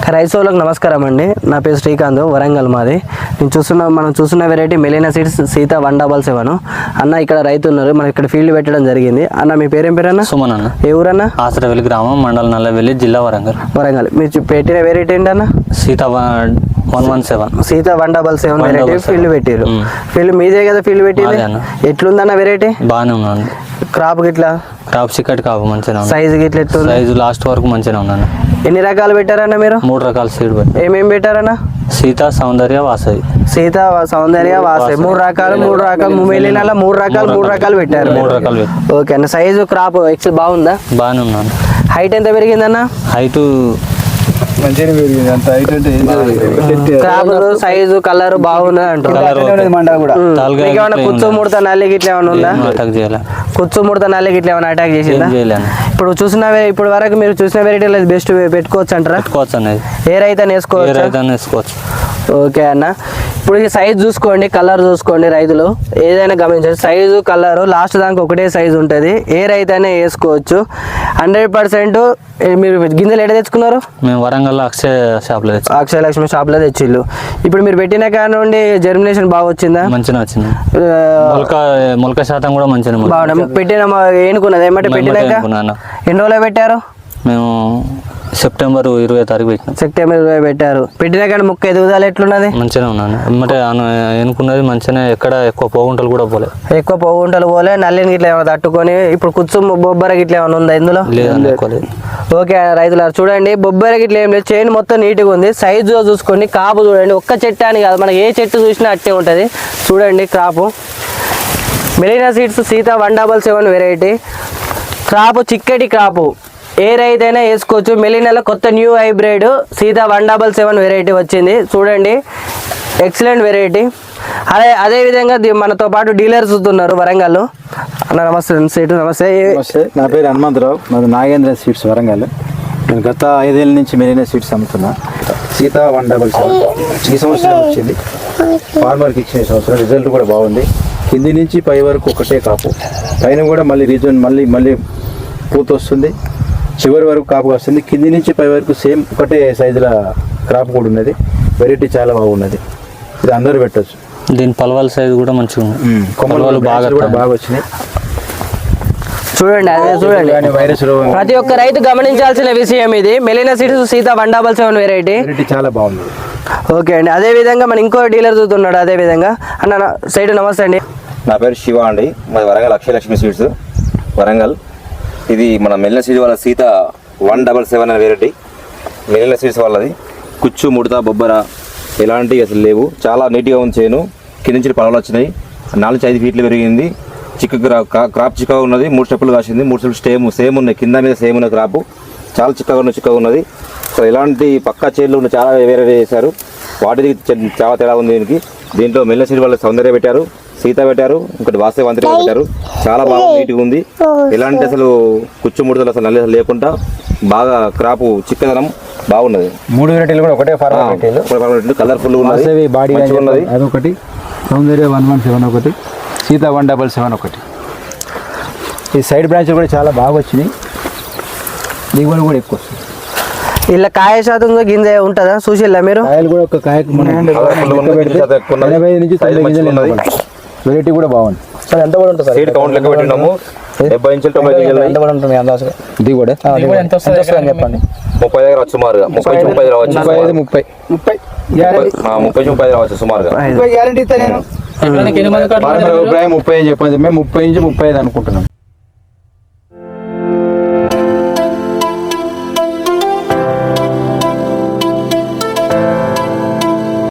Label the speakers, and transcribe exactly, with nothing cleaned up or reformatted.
Speaker 1: Rice వాళ్ళకి నమస్కారం అండి. నా పేరు శ్రీకాంత్, వరంగల్ మాది. నేను చూస్తున్న మనం చూస్తున్న variety Melina seeds Sita one double seven అన్న. ఇక్కడ రైతు ఉన్నారు, మనం ఇక్కడ ఫీల్డ్ పెట్టడం జరిగింది. అన్న మీ పేరేం పేరు అన్న?
Speaker 2: సుమన్ అన్న.
Speaker 1: ఏ ఊరన్నా?
Speaker 2: ఆసరవెల్లి గ్రామం, మండలం నల్లవెల్లి, జిల్లా వరంగల్.
Speaker 1: వరంగల్. మీరు పెట్టిన వెరైటీ ఏంటన్న?
Speaker 2: Sita one one seven
Speaker 1: Sita one double seven variety field పెట్టారు. ఫీల్డ్ మీదే కదా ఫీల్డ్ పెట్టింది? ఎట్లుందన్న వెరైటీ?
Speaker 2: బాగానే ఉన్నాను.
Speaker 1: క్రాప్ గిట్లా
Speaker 2: క్రాప్ చిక్కటి కాపు మంచిగా ఉంది.
Speaker 1: సైజు గిట్ల ఎట్లా?
Speaker 2: సైజు లాస్ట్ వరకు మంచిగా ఉన్నాను.
Speaker 1: ఎన్ని రకాలు పెట్టారన్న మీరు?
Speaker 2: మూడు రకాల సీడ్ పెట్టి.
Speaker 1: ఏమేమి పెట్టారన్న?
Speaker 2: సీత, సౌందర్య, వాసవి.
Speaker 1: సీత, సౌందర్య, వాసవి మూడు రకాలు మూడు రకాలు మెలీనాలో మూడు రకాలు మూడు రకాలు పెట్టారు.
Speaker 2: మూడు రకాలు పెట్టారు.
Speaker 1: ఓకే అన్న. సైజు క్రాప్ ఎక్స్ బాగుందా?
Speaker 2: బాగానే ఉన్నాను.
Speaker 1: హైట్ ఎంత పెరిగిందన్న?
Speaker 2: హైట్
Speaker 3: మంచిగా పెరిగింది. అంత హైట్ అంటే
Speaker 1: క్రాప్ సైజు కలర్ బాగుంది అంటారు. కుచ్చు ముడత నల్లి గిట్ల ఏమైనా ఉందా?
Speaker 2: అటాక్ చేయాలి.
Speaker 1: కుచ్చు ముడత నల్లి గిట్ల ఏమైనా అటాక్ చేసిందా? ఇప్పుడు చూసిన ఇప్పుడు వరకు మీరు చూసిన వెరైటీలో బెస్ట్ పెట్టుకోవచ్చు అంటారా?
Speaker 2: పెట్టుకోవచ్చు అనేది.
Speaker 1: ఏ రైతు అని వేసుకోవచ్చు?
Speaker 2: వేసుకోవచ్చు.
Speaker 1: ఓకే అన్న. ఇప్పుడు ఈ సైజ్ చూసుకోండి, కలర్ చూసుకోండి. రైతులు ఏదైనా గమనించండి, సైజు కలరు లాస్ట్ దానికి ఒకటే సైజు ఉంటుంది. ఏ రైతు అయినా వేసుకోవచ్చు. Hundred percent. మీరు గింజలు ఎక్కడ తెచ్చుకున్నారు?
Speaker 2: మేము వరంగల్ అక్షయ షాప్లో తెచ్చు
Speaker 1: అక్షయ లక్ష్మి షాప్లో తెచ్చిళ్ళు. ఇప్పుడు మీరు పెట్టిన కాడ నుండి జర్మినేషన్ బాగా వచ్చిందా?
Speaker 2: మంచిగా వచ్చింది. మొలక మొలక శాతం కూడా మంచిగా
Speaker 1: బాగుంది. పెట్టిన ఏనుకున్నది ఏమంటే పెట్టినాక ఎన్ని రోజులు పెట్టారు?
Speaker 2: మేము సెప్టెంబర్ ఇరవై తారీఖు పెట్టినాం.
Speaker 1: సెప్టెంబర్ ఇరవై పెట్టారు. పెట్టిన కానీ ముక్క ఎదుగుదల ఎట్లున్నది?
Speaker 2: మంచిగా ఉన్నాను. ఎమ్మటే ఎన్నుకున్నది మంచిగా. ఎక్కడ ఎక్కువ పోగుంటలు కూడా పోలే.
Speaker 1: ఎక్కువ పోగుంటలు పోలే. నల్లిని గిట్ల ఏమైనా తట్టుకొని ఇప్పుడు కుచ్చు బొబ్బర గిట్ల ఏమైనా ఉందా ఇందులో?
Speaker 2: లేదు.
Speaker 1: ఓకే రైతులు చూడండి, బొబ్బర గిట్ల ఏం లేదు. చైన్ మొత్తం నీట్గా ఉంది. సైజు చూసుకోండి. కాపు చూడండి. ఒక్క చెట్టు అని కాదు, మనకి ఏ చెట్టు చూసినా అట్టే ఉంటుంది. చూడండి crop. Melina seeds Sita one double seven variety crop, చిక్కటి క్రాపు. ఏ రైతు అయినా వేసుకోవచ్చు. మెలీనాలో కొత్త new hybrid Sita one double seven variety వచ్చింది. చూడండి, ఎక్సలెంట్ వెరైటీ. అదే అదేవిధంగా మనతో పాటు డీలర్స్ ఉన్నారు వరంగల్. అన్న నమస్తే. సీటు నమస్తే.
Speaker 3: నమస్తే. నా పేరు హనుమంతరావు, మాది నాగేంద్ర స్వీట్స్ వరంగల్. నేను గత ఐదేళ్ళ నుంచి మెరీనా స్వీట్స్ అమ్ముతున్నా. సీత వన్ డబల్ సెవెన్ ఈ సంవత్సరం వచ్చింది. ఫార్మర్కి ఇచ్చిన సంవత్సరం రిజల్ట్ కూడా బాగుంది. కింది నుంచి పై వరకు ఒకటే కాపు, పైన కూడా మళ్ళీ రీజన్ మళ్ళీ మళ్ళీ పూత వస్తుంది. చివరి వరకు కాపు వస్తుంది. కింది నుంచి పై వరకు సేమ్ ఒకటే సైజుల క్రాప్ కూడా ఉన్నది. వెరైటీ చాలా బాగున్నది. ఇది అందరూ పెట్టచ్చు.
Speaker 2: దీని పలవాల సైజు కూడా మంచిగా ఉంది.
Speaker 3: కొమ్మలు బాగా బాగా వచ్చినాయి.
Speaker 1: చూడండి, అదే చూడండి.
Speaker 3: వైరస్
Speaker 1: ప్రతి ఒక్క రైతు గమనించాల్సిన విషయం ఇది. Melina seeds Sita one double seven variety
Speaker 3: variety చాలా బాగుంది.
Speaker 1: ఓకే అండి. అదే విధంగా మన ఇంకో డీలర్ చూస్తున్నాడు. అదే విధంగా అన్న సైడ్ నమస్తే అండి.
Speaker 4: నా పేరు శివ అండి, మాది వరంగల్ అక్షయ లక్ష్మి స్వీట్స్ వరంగల్. ఇది మన మెలీనా సీడ్స్ వాళ్ళ సీత వన్ డబల్ సెవెన్ అనే వెరైటీ. మెలీనా సీడ్స్ వాళ్ళది. కుచ్చు ముడత బొబ్బర ఎలాంటివి అసలు లేవు. చాలా నీట్గా ఉంది చేను. కింద నుంచి పొలాలు వచ్చినాయి. నాలుగు ఐదు ఫీట్లు పెరిగింది. చిక్క క్రాప్ చిక్కగా ఉన్నది. మూడు స్టెప్పులు కాసింది. మూడు స్టెప్పులు సేమ్ సేమ్ ఉన్నాయి. కింద మీద సేమ్ ఉన్న క్రాపు చాలా చిక్కగా ఉన్న చిక్కగా ఉన్నది. అసలు ఎలాంటి పక్కా చేనులు ఉన్న చాలా వేరే వేసారు. వాటికి చాలా తేడా ఉంది దీనికి. దీంట్లో మెలీనా సీడ్స్ వాళ్ళ సౌందర్య పెట్టారు, సీత పెట్టారు, ఇంకోటి వాసవి వంతరి పెట్టారు. చాలా బాగా నీట్గా ఉంది. ఎలాంటి అసలు కుచ్చు ముడతలు అసలు నల్లి లేకుండా బాగా క్రాపు చిక్కదనం బాగున్నది.
Speaker 3: మూడు వెరైటీలు కూడా ఒకటే ఫార్మర్.
Speaker 4: కలర్ఫుల్ ఉన్నది.
Speaker 3: అదొకటి, సౌందర్య వన్ వన్ సెవెన్ ఒకటి, సీత వన్ డబల్ సెవెన్ ఒకటి. ఈ సైడ్ బ్రాంచ్లు కూడా చాలా బాగా వచ్చినాయి. దిగుబడి కూడా ఎక్కువ వస్తుంది.
Speaker 1: ఇలా కాయ శాతం గింజ ఉంటుందా చూసిల్లా మీరు?
Speaker 3: కాయలు కూడా ఒక కాయకు ఎనభై నుంచి తొంభై గింజలు ఉన్నది. వెరైటీ కూడా బాగుంది.
Speaker 1: సార్ ఎంత కూడా ఉంటుంది?
Speaker 4: సీడ్ కౌంట్ లెక్క పెట్టినాము. డెబ్బై ఇంచులు తొంభై గింజలు
Speaker 1: ఎంత కూడా ఉంటుంది అందాజుగా?
Speaker 3: దిగుబడి
Speaker 1: ఎంత వస్తుంది చెప్పండి.
Speaker 4: ముప్పై దగ్గర వచ్చు సుమారుగా. ముప్పై నుంచి ముప్పై రావచ్చు.
Speaker 3: ముప్పై ఐదు ముప్పై ముప్పై
Speaker 4: ముప్పై నుంచి ముప్పై రావచ్చు సుమారుగా.
Speaker 3: గ్యారంటీ ఇస్తా నేను. ముప్పై అని చెప్పండి. మేము ముప్పై నుంచి ముప్పై ఐదు అనుకుంటున్నాం.